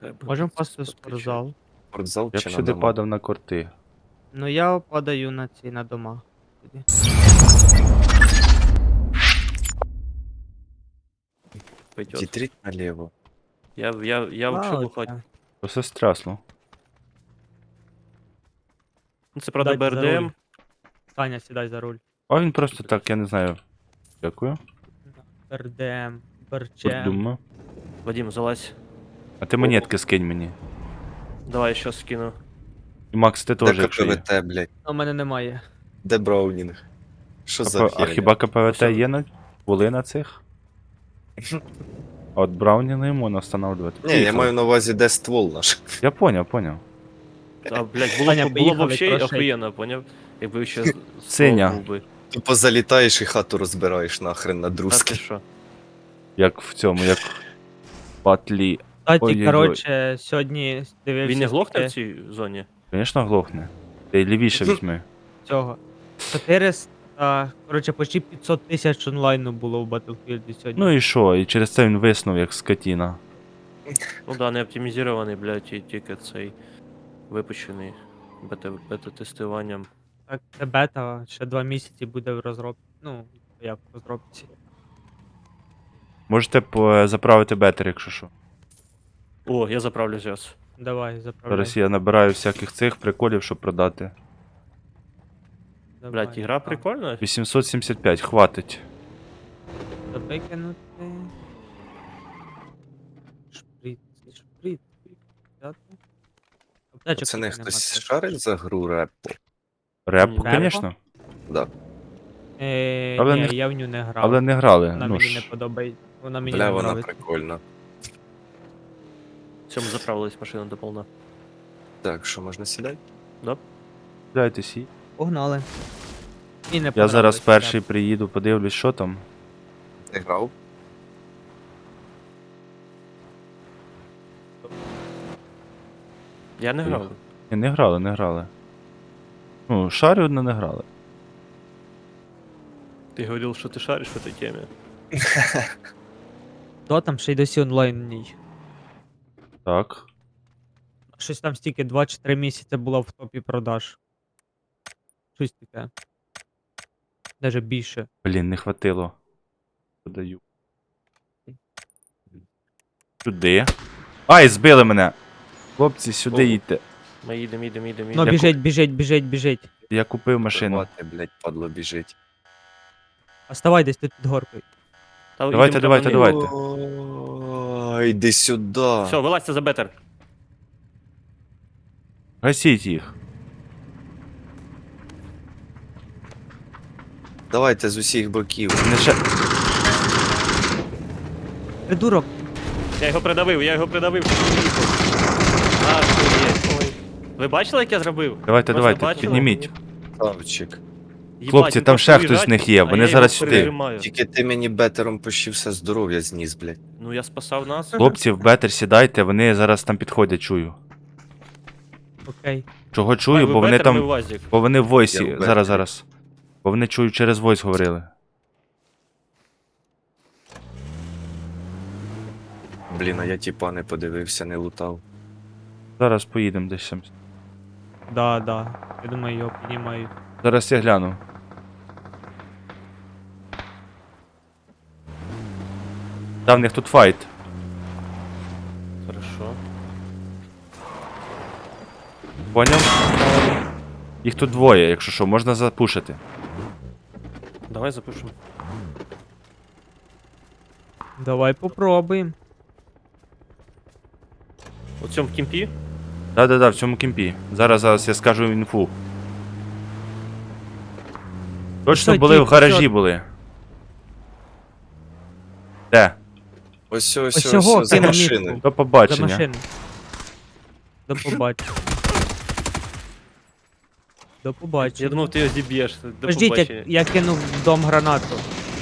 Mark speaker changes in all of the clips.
Speaker 1: Можемо впасти в спортзал.
Speaker 2: Спортзал
Speaker 3: Я
Speaker 2: чи
Speaker 3: б
Speaker 2: на
Speaker 3: сюди
Speaker 2: дома?
Speaker 3: падав на корти.
Speaker 1: Ну я падаю на ці на дома. Тоді.
Speaker 4: Пойдет.
Speaker 2: Дітріть наліво.
Speaker 4: Я учу бухать.
Speaker 1: Оце.
Speaker 3: Просто стрясло.
Speaker 4: Ну, це, правда,
Speaker 1: Дайте за руль.
Speaker 4: БРДМ.
Speaker 1: Саня, сідай за руль.
Speaker 3: А він просто так, я не знаю. Дякую.
Speaker 1: РДМ, Берчем.
Speaker 3: Подумав.
Speaker 4: Вадим, залазь.
Speaker 3: А ти монетки скинь мені.
Speaker 4: Давай ще скину.
Speaker 3: І Макс, ти теж,
Speaker 2: Де
Speaker 3: якщо є.
Speaker 2: КПВТ, блядь?
Speaker 1: У мене немає.
Speaker 2: Де Браунінг? Що за
Speaker 3: А
Speaker 2: херня?
Speaker 3: хіба КПВТ
Speaker 4: Все.
Speaker 3: є на... були на цих? А от Брауні не можна встановлювати.
Speaker 2: Ні, я маю на увазі, де ствол наш.
Speaker 3: Я поняв.
Speaker 4: А, блядь,
Speaker 1: Саня,
Speaker 4: було
Speaker 1: поїхали,
Speaker 4: вообще
Speaker 1: трошить.
Speaker 4: охуєнно, поняв? Якби ще
Speaker 3: Сеня.
Speaker 4: був би.
Speaker 2: Тупо залітаєш і хату розбираєш нахрен на
Speaker 4: А ти
Speaker 2: друзки.
Speaker 4: що?
Speaker 3: Як в цьому, як в Батлі.
Speaker 1: Кстати,
Speaker 3: Ой-ой-ой.
Speaker 1: коротше, сьогодні дивився
Speaker 4: Він не глохне
Speaker 1: таке
Speaker 4: в цій зоні?
Speaker 3: Звісно, глохне. Ти лівіше візьми.
Speaker 1: цього. 400, коротше, почти 500 тисяч онлайну було в Battlefield сьогодні.
Speaker 3: Ну і що? І через це він виснув, як скотіна.
Speaker 4: Ну да, не оптимізований, блядь, і тільки цей випущений бета-тестуванням.
Speaker 1: Так, це бета, ще 2 місяці буде в розробці. Ну, як в розробці.
Speaker 3: Можете заправити бетер, якщо що.
Speaker 4: О, я заправлю зараз.
Speaker 1: Давай, заправляй.
Speaker 3: Зараз я набираю всяких цих приколів, щоб продати.
Speaker 1: Давай.
Speaker 4: Блядь, ігра прикольна.
Speaker 3: 875, хватить.
Speaker 1: Викинути. Шприц, шприц. Взяти. Аптечок
Speaker 2: Пацани,
Speaker 1: тільки нема
Speaker 2: хтось
Speaker 1: теж.
Speaker 2: шарить за гру репу?
Speaker 3: Репку,
Speaker 4: Репу?
Speaker 3: звісно.
Speaker 2: Да.
Speaker 3: Але
Speaker 1: Ні,
Speaker 3: не-
Speaker 1: я в ню не грав.
Speaker 3: Але не грали.
Speaker 1: Вона
Speaker 3: Ну
Speaker 1: мені не
Speaker 3: ж.
Speaker 1: подобається. Вона мені
Speaker 2: Бля,
Speaker 1: не
Speaker 2: вона
Speaker 1: подобається.
Speaker 2: прикольна.
Speaker 4: В цьому заправилась машина до повна.
Speaker 2: Так, що можна сідати?
Speaker 3: Дайте сі.
Speaker 1: Погнали. І не
Speaker 3: Я
Speaker 1: понравилось,
Speaker 3: зараз
Speaker 1: я-
Speaker 3: перший приїду, подивлюсь, що там.
Speaker 2: Ти грав?
Speaker 4: Я не грав.
Speaker 3: Ні, не грали. Ну, шарю, але не грали.
Speaker 4: Ти говорив, що ти шариш в цій темі.
Speaker 1: То там ще й досі онлайн в ній.
Speaker 3: Так.
Speaker 1: Щось там стільки 2 чи 3 місяці було в топі продаж. Щось таке. Даже більше.
Speaker 3: Блін, не хватило. Подаю. Сюди. Ай, збили мене! Хлопці, сюди
Speaker 4: О.
Speaker 3: їдьте.
Speaker 4: Ми їдемо.
Speaker 1: Ну, біжить.
Speaker 3: Я купив машину.
Speaker 2: Мати, блядь, падло біжить.
Speaker 1: Оставай десь тут під горкою.
Speaker 3: Давайте.
Speaker 2: Ой, йди сюди.
Speaker 4: Все, вилазьте за бетер.
Speaker 3: Гасіть їх.
Speaker 2: Давайте з усіх боків.
Speaker 3: Не ще...
Speaker 1: Придурок.
Speaker 4: Я його придавив. Ахуєть. Ой. Ви бачили, як я зробив?
Speaker 3: Давайте,
Speaker 4: Просто бачили?
Speaker 3: підніміть.
Speaker 2: Славчик.
Speaker 4: Їбать,
Speaker 3: Хлопці,
Speaker 4: він
Speaker 3: там
Speaker 4: просто
Speaker 3: ще хтось
Speaker 4: уїжджать,
Speaker 3: з них є,
Speaker 4: а
Speaker 3: вони
Speaker 4: я
Speaker 3: зараз
Speaker 4: його
Speaker 3: сюди.
Speaker 4: пережимаю.
Speaker 2: Тільки ти мені бетером почти все здоров'я зніс, блядь.
Speaker 4: Ну я спасав нас.
Speaker 3: Хлопці, в бетер сідайте, вони зараз там підходять, чую.
Speaker 1: Окей.
Speaker 3: Чого чую,
Speaker 4: Ви
Speaker 3: бо вони
Speaker 4: бетер, ми
Speaker 3: там.
Speaker 4: УАЗик.
Speaker 3: Бо вони в войсі.
Speaker 2: Я в
Speaker 3: Зараз.
Speaker 2: бетері.
Speaker 3: Бо вони чую через войс говорили.
Speaker 2: Блін, а я тіпа не подивився, не лутав.
Speaker 3: Зараз поїдемо десь там.
Speaker 1: Да. Я думаю, його піднімають.
Speaker 3: Зараз я гляну. Та в них тут файт.
Speaker 4: Хорошо.
Speaker 3: Поняв? Їх тут двоє, якщо що, можна запушити.
Speaker 4: Давай запишемо.
Speaker 1: Давай попробуємо.
Speaker 4: У цьому в кімпі.
Speaker 3: Да, в цьому кемпі. Зараз я скажу інфу. Точно
Speaker 1: Що,
Speaker 3: були
Speaker 1: тіп,
Speaker 3: в гаражі
Speaker 1: що?
Speaker 3: були. Де?
Speaker 2: Ось
Speaker 1: Ось цього
Speaker 2: за
Speaker 1: кинув
Speaker 2: машиною.
Speaker 1: мітку.
Speaker 3: До
Speaker 1: За
Speaker 3: побачення.
Speaker 1: машину. До побачення. До побачення.
Speaker 4: Я думав, ти його зіб'єш. До
Speaker 1: Подождіть,
Speaker 4: побачення.
Speaker 1: я кинув в дом гранату.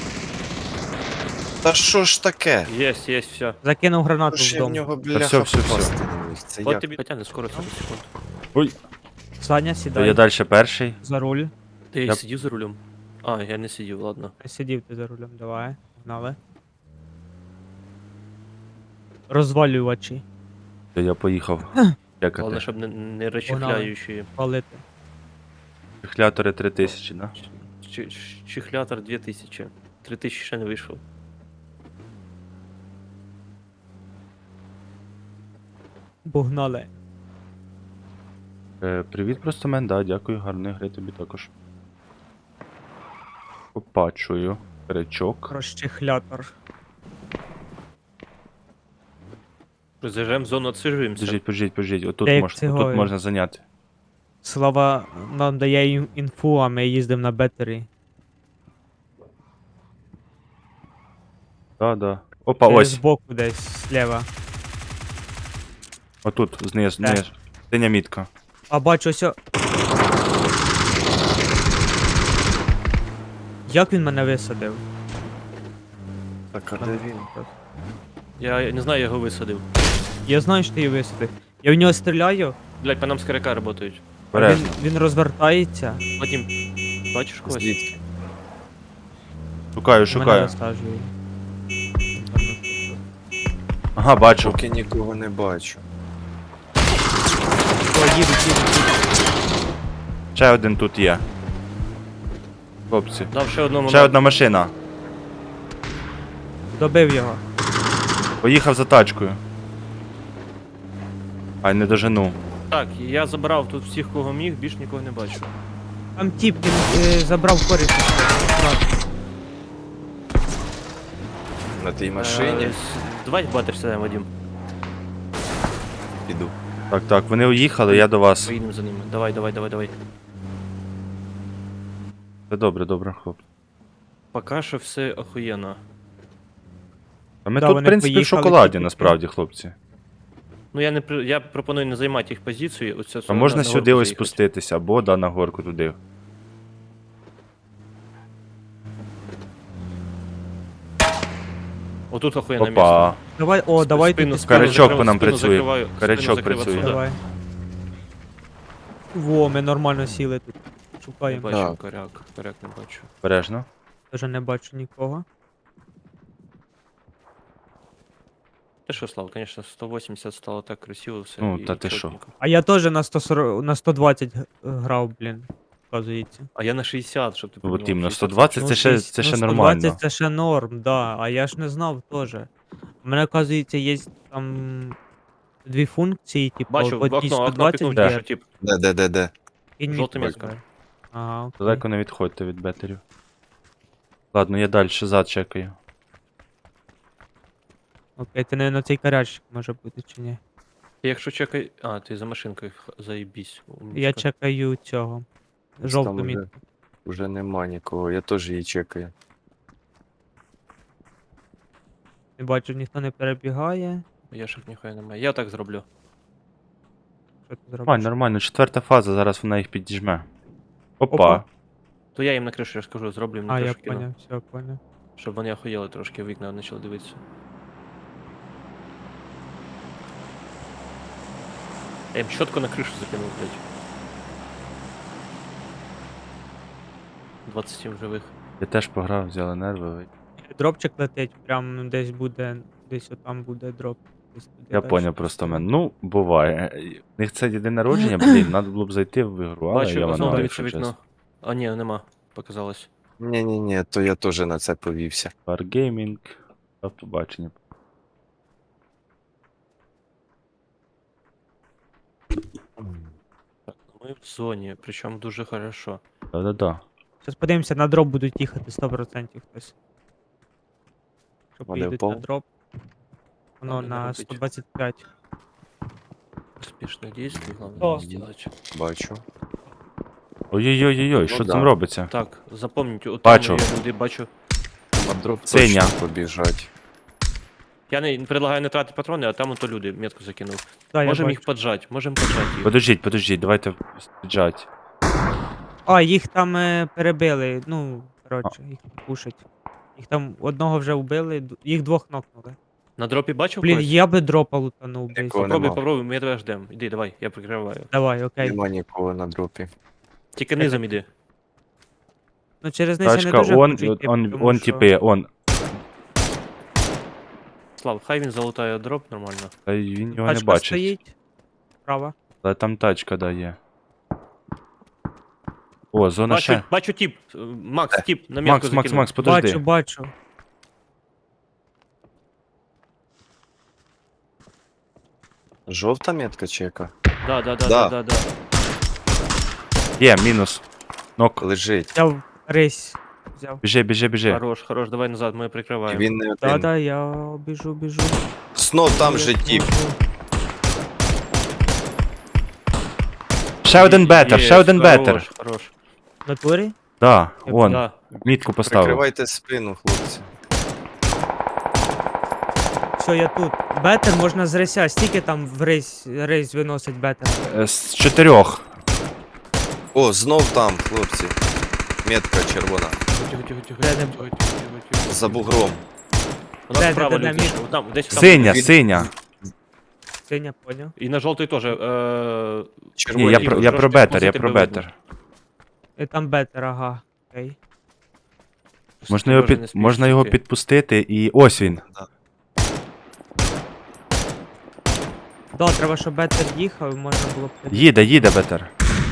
Speaker 2: Та що ж таке?
Speaker 4: Єсть, все.
Speaker 1: Закинув гранату
Speaker 2: Що
Speaker 1: в
Speaker 2: я в
Speaker 1: дом.
Speaker 2: нього,
Speaker 3: все,
Speaker 2: бляха,
Speaker 3: все.
Speaker 2: попасти не міг? Це
Speaker 4: От
Speaker 2: як?
Speaker 4: тобі потягне скоро 30 секунд.
Speaker 3: Ой,
Speaker 1: Саня,
Speaker 3: то
Speaker 1: сідай
Speaker 3: я далі перший.
Speaker 1: за руль.
Speaker 4: Ти
Speaker 3: Я-
Speaker 4: сидів за рулем? А, я не сидів, ладно.
Speaker 1: Сидів ти за рулем, давай. Погнали. Розвалювачі.
Speaker 3: Я поїхав.
Speaker 4: Головне,
Speaker 3: Чекати.
Speaker 4: щоб не розчехляючі.
Speaker 1: Палити.
Speaker 3: Чихлятори 3000, да?
Speaker 4: Чихлятор 2000. 3000 ще не вийшов.
Speaker 1: Погнали.
Speaker 3: Привіт, просто мен, да, дякую, гарної гри тобі також. Опачую. Речок.
Speaker 1: Розчехлятор.
Speaker 4: Заїжджаємо в зону, отсижуємося.
Speaker 3: Подождіть. Отут,
Speaker 1: Як
Speaker 3: отут
Speaker 1: цього-
Speaker 3: можна зайняти.
Speaker 1: Слава нам дає інфу, а ми їздимо на бетері.
Speaker 3: Да. Опа, ось.
Speaker 1: Збоку десь, зліва.
Speaker 3: Отут, знизу. Синя мітка.
Speaker 1: А бачу ось. Як він мене висадив?
Speaker 2: Так, а де він?
Speaker 4: Я не знаю, я його висадив.
Speaker 1: Я знаю, що ти її висадив. Я в нього стріляю,
Speaker 4: Блять, по нам з каряка працюють.
Speaker 1: а
Speaker 3: Бережно.
Speaker 1: він розвертається.
Speaker 4: Вадим, бачиш когось?
Speaker 2: Звідки?
Speaker 3: Шукаю.
Speaker 1: Мене розсаджує.
Speaker 3: Ага, бачу.
Speaker 2: Поки нікого не бачу.
Speaker 1: О, їдуть.
Speaker 3: Ще один тут є. Хлопці.
Speaker 4: Дав ще одному.
Speaker 3: Ще одна машина.
Speaker 1: Добив його.
Speaker 3: Поїхав за тачкою. Ай, не дожену.
Speaker 4: Так, я забрав тут всіх, кого міг, більш нікого не бачу.
Speaker 1: Там тіп, він забрав коріш.
Speaker 2: На тій машині
Speaker 4: Давай батиш сюди, Вадим.
Speaker 2: піду.
Speaker 3: Так, вони уїхали, я до вас.
Speaker 4: Поїдемо за ними. Давай.
Speaker 3: Все добре, хлопці.
Speaker 4: Поки що все охуєнно.
Speaker 3: А ми
Speaker 1: Да,
Speaker 3: тут, в
Speaker 1: вони
Speaker 3: принципі, в
Speaker 1: поїхали
Speaker 3: шоколаді,
Speaker 1: тільки.
Speaker 3: насправді, хлопці.
Speaker 4: Ну я пропоную не займати їх позицію. Оце
Speaker 3: А можна
Speaker 4: на
Speaker 3: сюди
Speaker 4: горку
Speaker 3: ось
Speaker 4: заїхати.
Speaker 3: спуститися, або да, на горку туди.
Speaker 4: Отут охуєнне
Speaker 3: Опа.
Speaker 4: місце.
Speaker 1: Давай, давай
Speaker 4: Спину-
Speaker 1: тут
Speaker 4: спину
Speaker 3: Карячок
Speaker 4: закрив-
Speaker 3: по нам
Speaker 4: спину
Speaker 3: працює.
Speaker 4: закриваю,
Speaker 3: Карячок
Speaker 4: спину закрив
Speaker 3: працює.
Speaker 4: отсюда.
Speaker 1: Давай. Во, ми нормально сіли тут.
Speaker 4: Не
Speaker 1: Шукаємо.
Speaker 4: бачу
Speaker 2: Так.
Speaker 4: коряк не бачу.
Speaker 3: Бережно.
Speaker 1: Вже не бачу нікого.
Speaker 4: Ти що, Слав, конечно, 180 стало так красиво все.
Speaker 3: Ну,
Speaker 4: і
Speaker 3: та ти що.
Speaker 4: чотненько.
Speaker 1: А я теж на 140, на 120 грав, блін. Вказується.
Speaker 4: А я на 60, щоб ти
Speaker 3: От
Speaker 4: понімав,
Speaker 3: іменно,
Speaker 4: 60.
Speaker 3: 120 це ще нормально.
Speaker 1: 120 це ще норм, да. А я ж не знав теж. У мене, оказується, є там дві функції, типу,
Speaker 4: Бачу,
Speaker 1: в
Speaker 4: в
Speaker 1: одній
Speaker 4: окно
Speaker 1: 120
Speaker 4: пікнув,
Speaker 3: де?
Speaker 4: що тип.
Speaker 2: Де?
Speaker 1: і ні-
Speaker 4: жовта метка.
Speaker 1: Ага, окей.
Speaker 3: Далеко не відходьте від бетерів. Ладно, я далі зад чекаю.
Speaker 1: Окей, ти не на цей карячик може бути чи ні?
Speaker 4: Ти якщо чекай. А, ти за машинкою заїбісь.
Speaker 1: Я чекаю цього. Жовту
Speaker 2: Там
Speaker 1: мітку.
Speaker 2: Уже нема нікого, я теж її чекаю.
Speaker 1: Не бачу, ніхто не перебігає.
Speaker 4: Я ж ніхуя немає. Я так зроблю.
Speaker 1: Що ти зробиш?
Speaker 3: Нормально, 4-та фаза, зараз вона їх підіжме. Опа.
Speaker 1: Опа.
Speaker 4: То я їм на кришу, я ж кажу, зроблю їм на
Speaker 1: А, я
Speaker 4: кришу кину.
Speaker 1: поняв, все, поняв.
Speaker 4: Щоб вони охуєли трошки, в вікна почали дивитися. Я їм чітко на кришу закинув, блядь. 27 живих.
Speaker 3: Я теж пограв, взяли нерви.
Speaker 1: Дропчик летить, прям десь буде, десь отам буде дроп. Десь туди
Speaker 3: Я
Speaker 1: дальше.
Speaker 3: поняв просто мен. Ну, буває. У них це день народження, блін, треба було б зайти в ігру, але
Speaker 4: Бачу,
Speaker 3: я
Speaker 4: знову
Speaker 3: вона,
Speaker 4: дивиться
Speaker 3: якщо
Speaker 4: вікно.
Speaker 3: чесно.
Speaker 4: А ні, нема. Показалось.
Speaker 2: Ні, то я теж на це повівся.
Speaker 3: Wargaming. До побачення.
Speaker 4: Так, ми в зоні, причому дуже хорошо.
Speaker 3: Да-да-да.
Speaker 1: Зараз подивимося, на дроп будуть їхати 100% хтось. Що
Speaker 2: Вони
Speaker 1: поїдуть на
Speaker 2: впав?
Speaker 1: дроп. Воно
Speaker 4: Ладно, не
Speaker 1: на
Speaker 4: робить.
Speaker 1: 125.
Speaker 4: Успішне дійство, головне
Speaker 1: О.
Speaker 4: не зробити.
Speaker 2: Бачу.
Speaker 3: Ой-ой-ой, що
Speaker 2: да.
Speaker 3: там робиться?
Speaker 4: Так, запам'ятайте, от
Speaker 3: Бачу.
Speaker 4: я люди бачу.
Speaker 2: А дроп
Speaker 3: Синя.
Speaker 2: точно побіжать.
Speaker 4: Я не предлагаю не тратити патрони, а там ото люди метку закинув.
Speaker 1: Да, я
Speaker 4: Можемо
Speaker 1: бачу.
Speaker 4: їх поджати, можемо поджати їх.
Speaker 3: Подождіть, давайте стріджать.
Speaker 1: А, їх там перебили. Ну, коротше, їх пушать. Їх там одного вже вбили, їх двох нокнули.
Speaker 4: На дропі бачив
Speaker 1: Блін,
Speaker 4: когось?
Speaker 1: я би дропа лутанув десь.
Speaker 2: Нікого
Speaker 4: Попробуй,
Speaker 2: нема.
Speaker 4: попробуй, ми тебе ждем. Іди, давай, я прикриваю.
Speaker 1: Давай, окей.
Speaker 2: Нема нікого на дропі.
Speaker 4: Тільки низом іди.
Speaker 1: Ну через них я не
Speaker 3: Тачка,
Speaker 1: дуже хочу йти, тому
Speaker 3: он
Speaker 1: що-
Speaker 3: типи, он.
Speaker 4: Слав, хай він залутає дроп нормально.
Speaker 3: Та й він його не
Speaker 1: Тачка
Speaker 3: бачить.
Speaker 1: стоїть. Права.
Speaker 3: Але там тачка дає. О, зона ще.
Speaker 4: Бачу тіп. Макс, тіп, на метку
Speaker 3: Макс, подожди.
Speaker 1: Бачу.
Speaker 2: Жовта метка чи яка?
Speaker 4: Да.
Speaker 3: Є, мінус. Нок.
Speaker 2: Лежить.
Speaker 1: Взяв рейс. Взяв.
Speaker 3: Біжи.
Speaker 4: Хорош, давай назад, ми
Speaker 2: І
Speaker 4: прикриваємо.
Speaker 2: він не один.
Speaker 1: Да, я біжу.
Speaker 2: Знов там же тіп.
Speaker 3: Ще один бетер,
Speaker 4: Є,
Speaker 3: ще один бетер.
Speaker 4: Хорош.
Speaker 1: В натурі?
Speaker 3: Да, вон,
Speaker 4: Да.
Speaker 3: мітку поставив.
Speaker 2: Прикривайте спину, хлопці.
Speaker 1: Все, я тут. Бетер можна з рейся. Стільки там в рейс виносить бетер.
Speaker 3: З 4.
Speaker 2: О, знов там, хлопці. Метка червона.
Speaker 4: Тихо.
Speaker 2: За бугром.
Speaker 4: У нас
Speaker 1: Де,
Speaker 4: справа
Speaker 1: де,
Speaker 4: люди.
Speaker 1: мід?
Speaker 4: Там, десь там.
Speaker 3: Синя,
Speaker 2: Він-
Speaker 3: синя.
Speaker 1: Синя, поняв.
Speaker 4: І на жовтий теж.
Speaker 2: Червоні.
Speaker 3: Ні, я
Speaker 4: Ігор,
Speaker 3: про
Speaker 4: трошки
Speaker 3: бетер, я
Speaker 4: спустити
Speaker 3: про
Speaker 4: тебе видно.
Speaker 3: бетер.
Speaker 1: І там бетер, ага. Окей.
Speaker 3: Можна його підпустити і ось він.
Speaker 1: Да, треба, щоб бетер їхав, і можна було б...
Speaker 3: Їде бетер.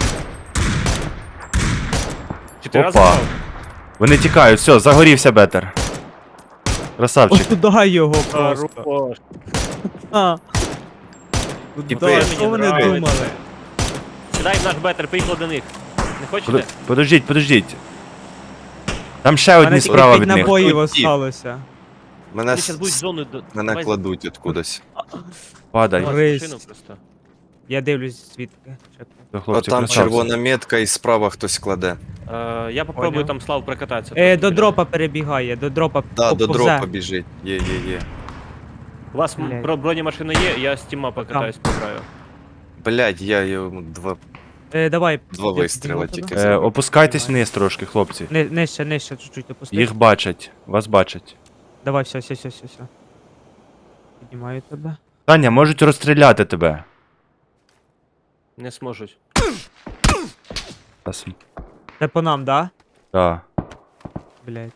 Speaker 4: 4 рази
Speaker 3: Опа.
Speaker 4: впав?
Speaker 3: Вони тікають, все, загорівся бетер. Красавчик.
Speaker 1: Ось туди його просто.
Speaker 4: Хорош.
Speaker 1: А.
Speaker 2: Типи,
Speaker 1: Да, що вони
Speaker 4: нравиться.
Speaker 1: думали?
Speaker 4: Сідай в наш бетер, поїхали до них. Не хочете?
Speaker 3: Подождіть. Там ще
Speaker 1: У мене
Speaker 3: одні
Speaker 1: тільки
Speaker 3: справа
Speaker 1: 5
Speaker 3: від них.
Speaker 1: набоїв
Speaker 2: Тут
Speaker 1: осталося.
Speaker 2: Мене,
Speaker 4: Вони зараз будуть зону...
Speaker 2: мене кладуть откудись.
Speaker 3: Падай.
Speaker 1: Давай.
Speaker 4: Давай
Speaker 1: Рейс.
Speaker 4: машину просто.
Speaker 1: Я дивлюсь звідки. Чекай.
Speaker 3: Все,
Speaker 2: О,
Speaker 3: хлопці,
Speaker 2: там
Speaker 3: красавці.
Speaker 2: червона метка і справа хтось кладе.
Speaker 4: Я попробую
Speaker 1: Поняв.
Speaker 4: там Слав прокататися.
Speaker 1: До
Speaker 4: трохи.
Speaker 1: дропа перебігає, до дропа.
Speaker 2: Да, до
Speaker 1: повзе.
Speaker 2: дропа біжить. Є.
Speaker 4: У вас
Speaker 1: Блядь.
Speaker 4: бронемашина є, я з тіма покатаюсь по краю.
Speaker 2: Блядь, я йому два
Speaker 1: Давай.
Speaker 2: Два
Speaker 1: я
Speaker 2: вистріла
Speaker 1: підніму
Speaker 2: тільки.
Speaker 1: тебе.
Speaker 3: Опускайтесь вниз трошки, хлопці.
Speaker 1: Нижче, чуть-чуть опусти.
Speaker 3: Їх бачать, вас бачать.
Speaker 1: Давай, все. Піднімаю тебе.
Speaker 3: Таня, можуть розстріляти тебе.
Speaker 4: Не зможуть.
Speaker 3: Зараз.
Speaker 1: Це по нам, да?
Speaker 3: Да.
Speaker 1: Блять.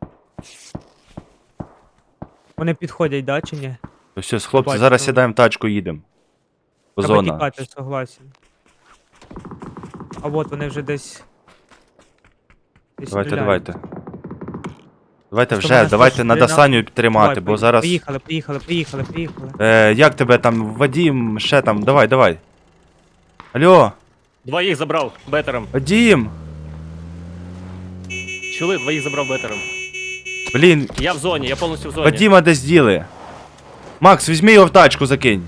Speaker 1: Вони підходять, да, чи ні?
Speaker 3: То все, хлопці,
Speaker 1: Бачу.
Speaker 3: зараз сідаємо в тачку, їдемо. По
Speaker 1: Треба
Speaker 3: зона.
Speaker 1: тікати, согласен. А от вони вже десь.
Speaker 3: Давайте.
Speaker 1: стріляють.
Speaker 3: Давайте
Speaker 1: Що
Speaker 3: вже,
Speaker 1: мене
Speaker 3: давайте
Speaker 1: слушать,
Speaker 3: надо
Speaker 1: Ріна?
Speaker 3: Саню підтримати,
Speaker 1: Давай,
Speaker 3: бо зараз.
Speaker 1: Поїхали.
Speaker 3: Як тебе там, Вадім, ще там, давай. Алло,
Speaker 4: Двоїх забрав бетером.
Speaker 3: Вадім!
Speaker 4: Чули? Двоїх забрав бетером.
Speaker 3: Блін,
Speaker 4: Я в зоні, я повністю в зоні.
Speaker 3: Вадіма десь діли. Макс, візьми його в тачку, закинь.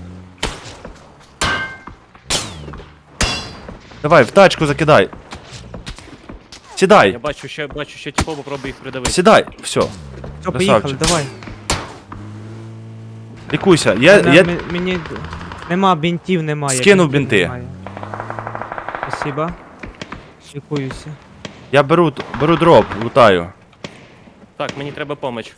Speaker 3: Давай, в тачку закидай.
Speaker 4: Я
Speaker 3: Сідай,
Speaker 4: бачу ще типу, попробую їх придавити.
Speaker 3: сідай, все,
Speaker 1: Все, поїхали,
Speaker 3: Красавчик.
Speaker 1: давай.
Speaker 3: лікуйся.
Speaker 1: Мені нема бінтів, немає.
Speaker 3: Скинув
Speaker 1: бінтів
Speaker 3: бінти.
Speaker 1: немає. Спасибо. Лікуюся.
Speaker 3: Я беру дроп, лутаю.
Speaker 4: Так, мені треба поміч.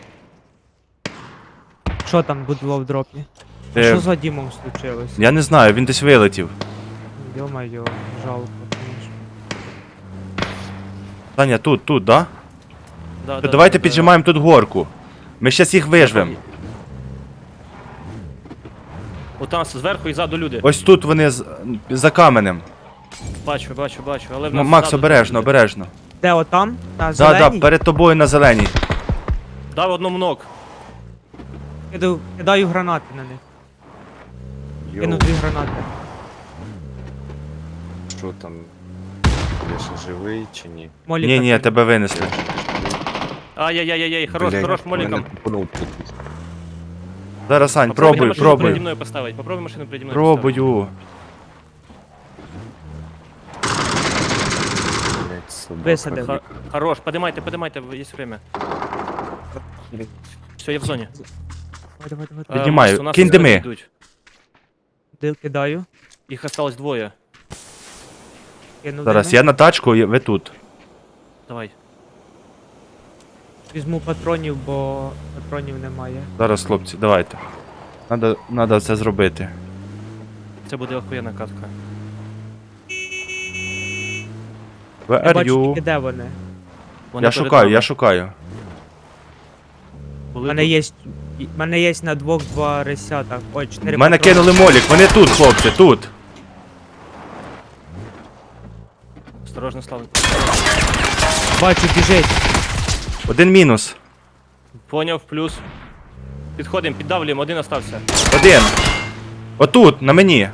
Speaker 1: Що там було в дропі?
Speaker 3: Е,
Speaker 1: Що за Дімом случилось?
Speaker 3: Я не знаю, він десь вилетів.
Speaker 1: Йо-моє, жалко, конечно.
Speaker 3: Таня, тут, да?
Speaker 4: Да,
Speaker 3: То давайте піджимаємо тут горку. Ми щас їх вижвем.
Speaker 4: Отам зверху і ззаду люди.
Speaker 3: Ось тут вони за каменем.
Speaker 4: Бачу, але в нас
Speaker 3: Макс,
Speaker 4: ззаду
Speaker 3: обережно,
Speaker 4: люди.
Speaker 3: обережно.
Speaker 1: Де отам? На
Speaker 3: Да,
Speaker 1: зеленій?
Speaker 3: перед тобою на зеленій.
Speaker 4: Дав одному ног.
Speaker 1: Кидаю гранати на них. Кину 2 гранати.
Speaker 2: Що там? Я ще живий чи ні?
Speaker 1: Моліка
Speaker 3: Ні,
Speaker 1: кину.
Speaker 3: тебе винесли.
Speaker 4: Ай-яй-яй, хорош
Speaker 2: Блядь,
Speaker 4: моліком.
Speaker 2: мене тупанув тут.
Speaker 3: Зараз, Сань,
Speaker 4: Попробуй машину переді
Speaker 3: пробуй.
Speaker 4: мною поставити. Попробуй машину переді мною поставити.
Speaker 3: Пробую.
Speaker 2: Блядь, собака.
Speaker 1: Висадив.
Speaker 4: Хорош, подимайте, є время. Все, я в зоні.
Speaker 1: Давай.
Speaker 3: Піднімаю.
Speaker 4: Макс, у нас
Speaker 3: Кинь
Speaker 4: зелені
Speaker 3: дими.
Speaker 4: йдуть.
Speaker 1: Кидаю.
Speaker 4: Їх осталось двоє.
Speaker 1: Кину
Speaker 3: Зараз,
Speaker 1: дими.
Speaker 3: я на тачку, ви тут.
Speaker 4: Давай.
Speaker 1: Візьму патронів, бо патронів немає.
Speaker 3: Зараз, хлопці, давайте. Надо це зробити.
Speaker 4: Це буде охуєнна катка.
Speaker 3: Where
Speaker 1: Я
Speaker 3: are
Speaker 1: бачу
Speaker 3: you?
Speaker 1: тільки де вони.
Speaker 4: Вони
Speaker 3: Я
Speaker 4: перед
Speaker 3: шукаю,
Speaker 4: нами.
Speaker 3: я шукаю.
Speaker 1: У
Speaker 4: Були
Speaker 1: мене
Speaker 4: тут.
Speaker 1: У мене є на двох 2 ресята. Ой, 4
Speaker 3: Мене
Speaker 1: патрона.
Speaker 3: кинули молік, вони тут, хлопці, тут.
Speaker 4: Осторожно, Слава.
Speaker 1: Бачу, біжить.
Speaker 3: Один мінус.
Speaker 4: Поняв, плюс. Підходимо, піддавлюємо, один остався.
Speaker 3: Один. Отут, на мені.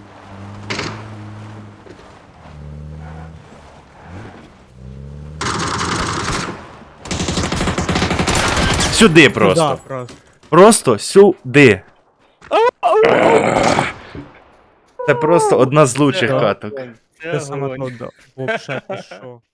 Speaker 3: Сюди просто.
Speaker 1: Да, просто.
Speaker 3: Просто сюди. Це просто одна з лучших
Speaker 1: Да.
Speaker 3: каток.
Speaker 1: Це саме то, да. Вообще, ти що?